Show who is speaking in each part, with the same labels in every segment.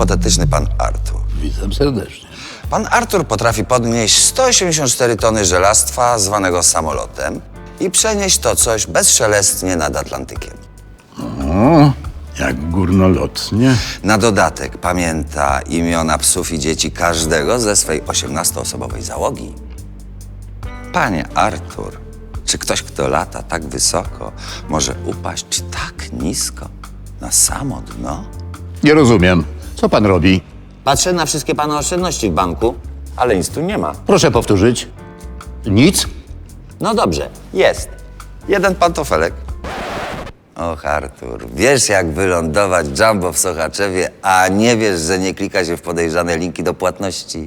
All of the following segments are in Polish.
Speaker 1: hipotetyczny pan Artur.
Speaker 2: Witam serdecznie.
Speaker 1: Pan Artur potrafi podnieść 184 tony żelastwa zwanego samolotem i przenieść to coś bezszelestnie nad Atlantykiem.
Speaker 2: O, jak górnolotnie.
Speaker 1: Na dodatek pamięta imiona psów i dzieci każdego ze swej 18-osobowej załogi. Panie Artur, czy ktoś, kto lata tak wysoko, może upaść tak nisko na samo dno?
Speaker 2: Nie rozumiem. Co pan robi?
Speaker 1: Patrzę na wszystkie pana oszczędności w banku, ale nic tu nie ma.
Speaker 2: Proszę powtórzyć. Nic?
Speaker 1: No dobrze, jest. Jeden pantofelek. Och, Artur, wiesz jak wylądować jumbo w Sochaczewie, a nie wiesz, że nie klika się w podejrzane linki do płatności.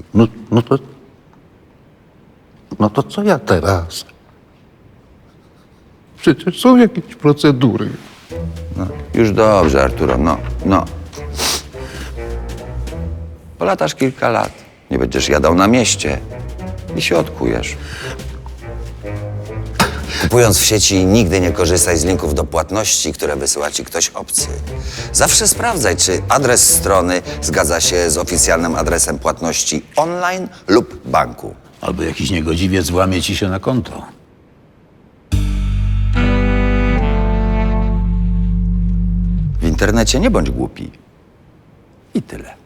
Speaker 2: No to co ja teraz? Przecież są jakieś procedury.
Speaker 1: No, już dobrze, Arturo, no. Polatasz kilka lat, nie będziesz jadał na mieście i się odkujesz. Kupując w sieci, nigdy nie korzystaj z linków do płatności, które wysyła ci ktoś obcy. Zawsze sprawdzaj, czy adres strony zgadza się z oficjalnym adresem płatności online lub banku.
Speaker 2: Albo jakiś niegodziwiec włamie ci się na konto.
Speaker 1: W internecie nie bądź głupi. I tyle.